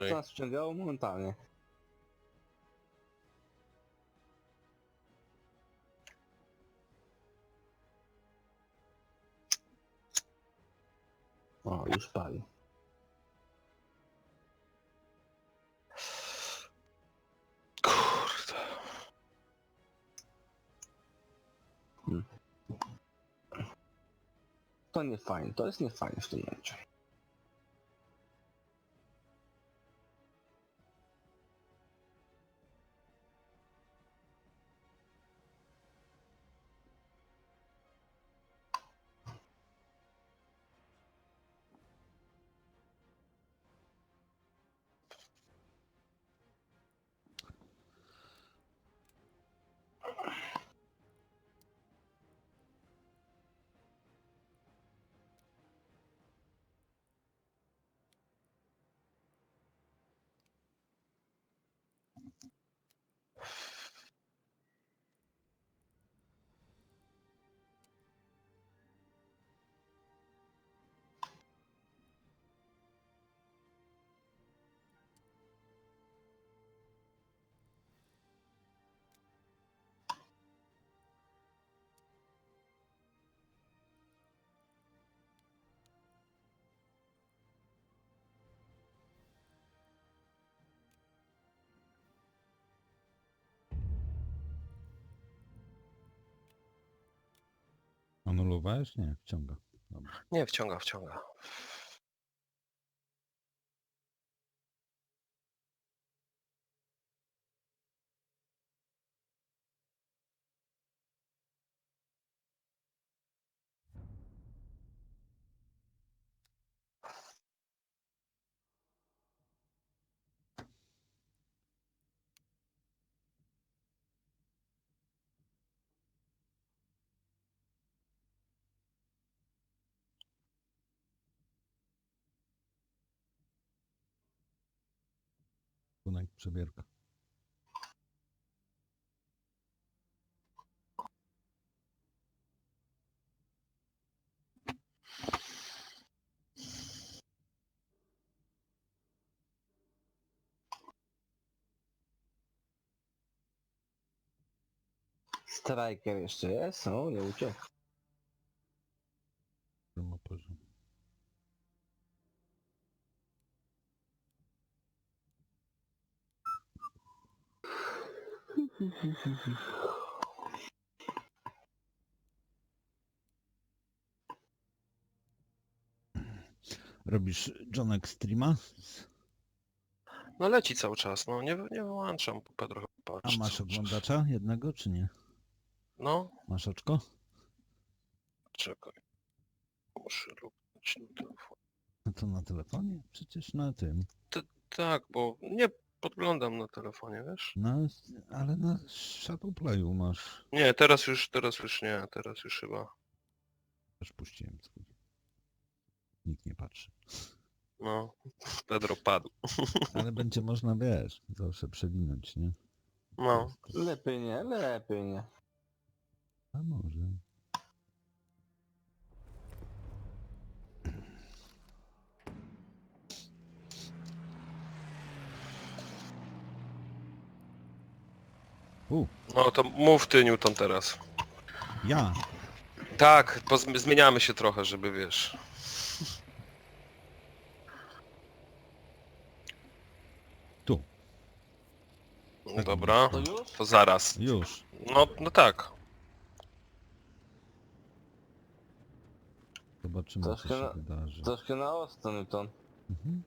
To nas wciągało momentalnie. O, już pali. Kurde. To nie fajne, to jest niefajne w tym momencie. Anulowałeś? Nie, wciąga. Dobra. Nie, wciąga. Tunek przebierka. Striker jeszcze jest? O, nie uciekł. Ma poziom. Robisz Johnek streama? No leci cały czas, no nie wyłączam, trochę A patrzy masz cały czas. oglądacza jednego, czy nie? No, Masz oczko? czekaj. Muszę luknąć na telefon. No to na telefonie? Przecież na tym. Tak, bo nie podglądam na telefonie, wiesz? Ale na Shadowplayu masz. Nie, teraz już nie, teraz już chyba. Też puściłem swój. Nikt nie patrzy. No, Pedro padł. Ale będzie można, wiesz, zawsze przewinąć, nie? No, Lepiej nie, lepiej nie. A może. no to mów ty, Newton, teraz. Ja! Tak, zmieniamy się trochę, żeby wiesz. Tu. Tak Dobra, To już? to zaraz. Już. No tak. Zobaczymy, co Troszkę się na- wydarzy. Troszkę na ostro, Newton. Mhm.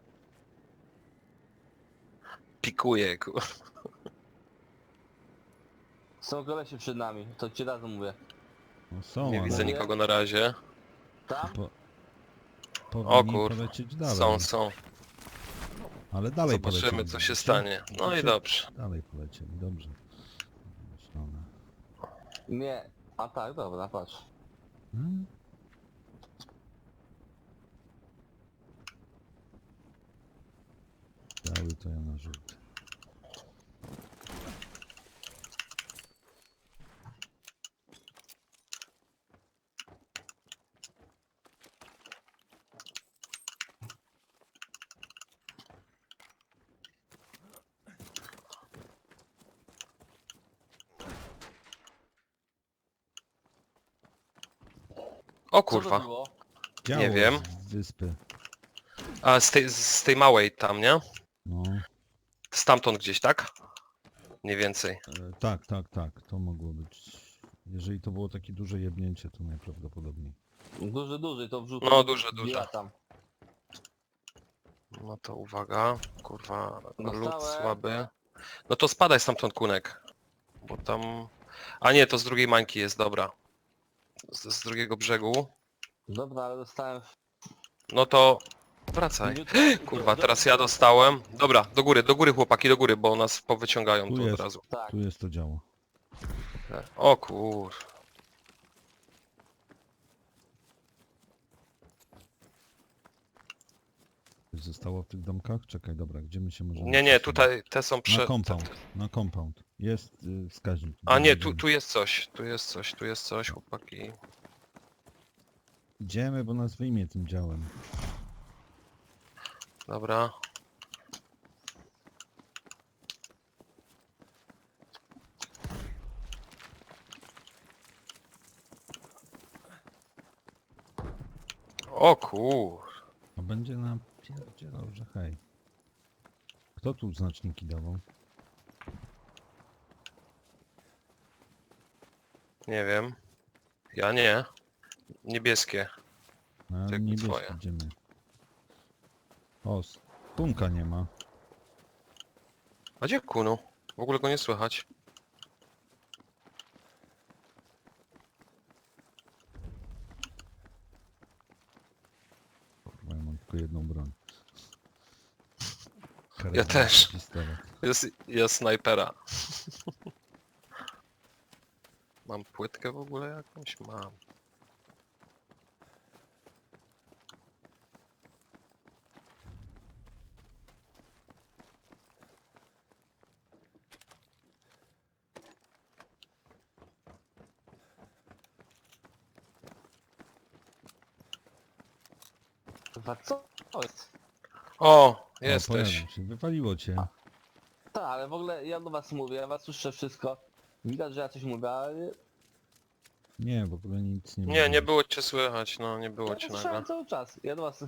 Pikuje, Są kolesie przed nami, to ci razu mówię. No są, Nie ale widzę nikogo na razie. Tam? powinni kur- polecieć dalej. Są. Ale dalej Zobaczymy, polecieli. co się widzicie? stanie. No i Widzicie? dobrze. Dalej polecieli, dobrze. Myślone. Nie. A tak, dobra, patrz. Hmm? Biały to ja na żółty. O Co to kurwa. było? Działo wiem. z wyspy. A z tej małej tam, nie? No. Stamtąd gdzieś, tak? Mniej więcej. Tak, tak, tak. To mogło być. Jeżeli to było takie duże jebnięcie, to najprawdopodobniej. Duży, to wrzucę. No, duże. Ja tam. No to uwaga. Kurwa, lód Dostałem. słaby. No to spadaj stamtąd, Kunek. Bo tam... A nie, to z drugiej mańki jest, dobra. Z drugiego brzegu. Dobra, ale dostałem... No to... Wracaj. Kurwa, teraz ja dostałem. Dobra, do góry chłopaki, do góry, bo nas powyciągają Tu tu jest. od razu. Tak. Tu jest to działo. O kur... Coś zostało w tych domkach? Czekaj, dobra, gdzie my się możemy... Nie, przesunąć? tutaj te są Na compound, na compound. Jest wskaźnik. A nie, Idziemy. tu jest coś, tu jest coś, chłopaki. Idziemy, bo nas wyjmie tym działem. Dobra. O kur... A będzie nam pierdzielał, że hej. Kto tu znaczniki dawał? Nie wiem. Ja nie. Niebieskie. Na Jakby niebieski twoje. idziemy. O, punka nie ma. A gdzie Kunu? W ogóle go nie słychać. Kurwa, ja mam tylko jedną broń. Ja Karabin, też. pistolet. Jest snajpera. Mam płytkę w ogóle jakąś? Mam. Kurwa, co to jest? O! O, Jesteś. pojawił się. Wypaliło cię. Tak, ale w ogóle ja do was mówię, ja was słyszę wszystko. Widać, że ja coś mówię, ale... Nie, w ogóle nic nie Nie, nie mówię. było cię słychać, no nie było Ja cię to nagle. słyszałem cały czas. Ja do was...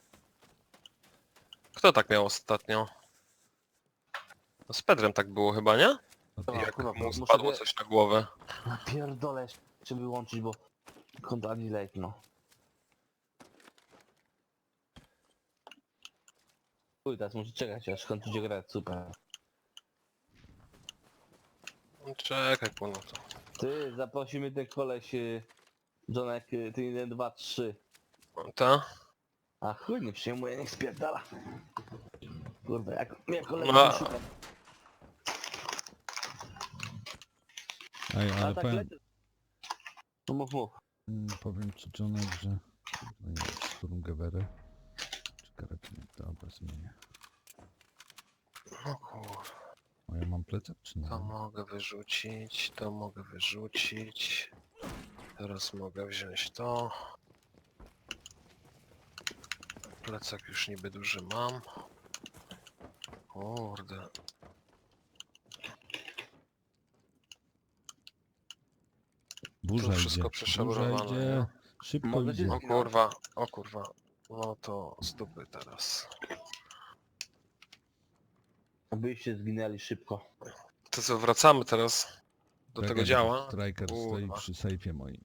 Kto tak miał ostatnio? No z Pedrem tak było chyba, nie? Dobra, Jak kurwa, mu muszę spadło wie- coś na głowę. Pierdolę, żeby wyłączyć, bo... Konto ani late, no. Uj, teraz muszę czekać, aż kończycie grać, super. Czekaj, Kunu to. Ty, zaprosimy ten koleś... Johnek, ty 1, 2, 3. Ta? A chuj, nie przyjmuje, niech spierdala. Kurwa, jak mnie kolega No. szuka. Ej, ale A tak powiem, lecę. No mów. powiem ci, Johnek, że... No nie wiem, Sturmgewery. Czy karabinek? Dobra, zmienię. No kurwa. O, ja mam plecak, czy nie? To mogę wyrzucić, to mogę wyrzucić. Teraz mogę wziąć to. Plecak już niby duży mam. Kurde. Burza To wszystko idzie. przeszabrowane, Burza idzie. nie? Szybko Mogę idzie. się- O kurwa, o kurwa. No to z dupy teraz. Byście zginęli szybko. To co, wracamy teraz do tego Czekaj, działa? Striker stoi Kurwa. przy sejfie moim.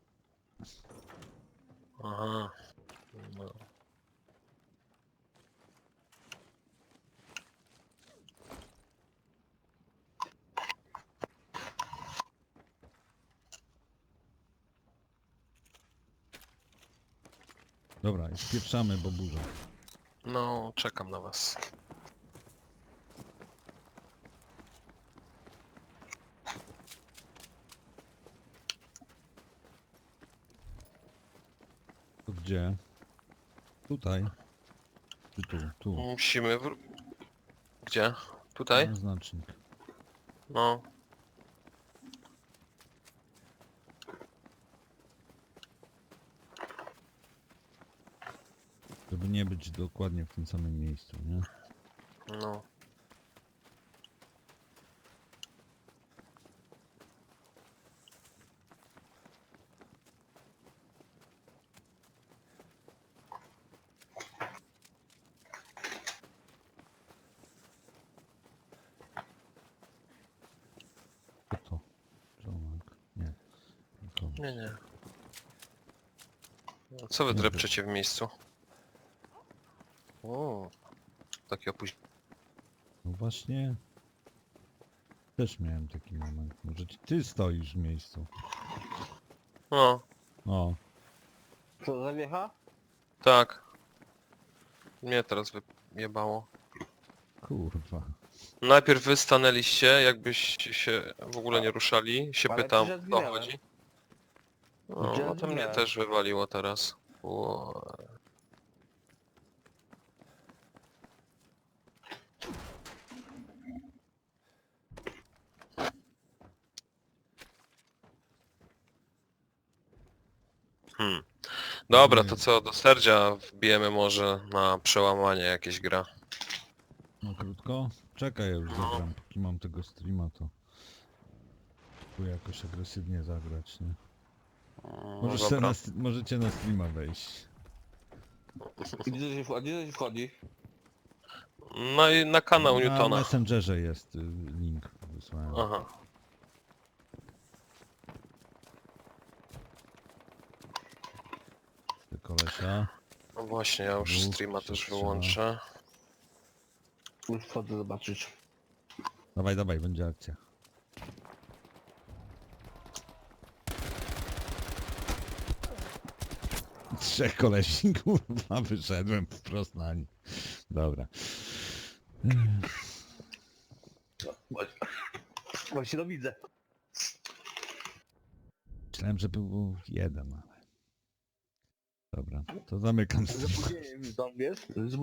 Aha. No. Dobra, i spieprzamy, bo burza. No, czekam na was. To gdzie? Tutaj. Czy tu? Tu. Musimy Gdzie? Tutaj? No, znacznik. No. Żeby nie być dokładnie w tym samym miejscu, nie? No. Nie, nie. A co wy Nie drepczecie w miejscu? O, takie opóźnienie. No właśnie. Też miałem taki moment. Może ty stoisz w miejscu. O, O, Co, zawiecha? tak. Mnie teraz wyjebało. kurwa. Najpierw wy stanęliście, jakbyście się w ogóle nie ruszali. Się Ale pytam, przecież o co zginęłem. chodzi. No, Przecież no to mnie zginęłem. też wywaliło teraz. Dobra, to co, do Serdzia wbijemy może na przełamanie jakieś gra. No krótko? Czekaj, ja już No. zagram. Póki mam tego streama, to... Tu jakoś agresywnie zagrać, nie? No dobra. Możecie na streama wejść. Gdzie się wchodzi? No i na kanał Na Newtona. Messengerze jest link wysłałem. Aha. Ty kolesia. No właśnie, ja już Dwóch, streama się też strzela. wyłączę. Już wchodzę zobaczyć. Dawaj, dawaj, będzie akcja. Trzech kolesi, kurwa, wyszedłem wprost na nich. Dobra. Właśnie to widzę. Myślałem, że był jeden, ale... Dobra, to zamykam Z streama. opóźnieniem tam, wiesz?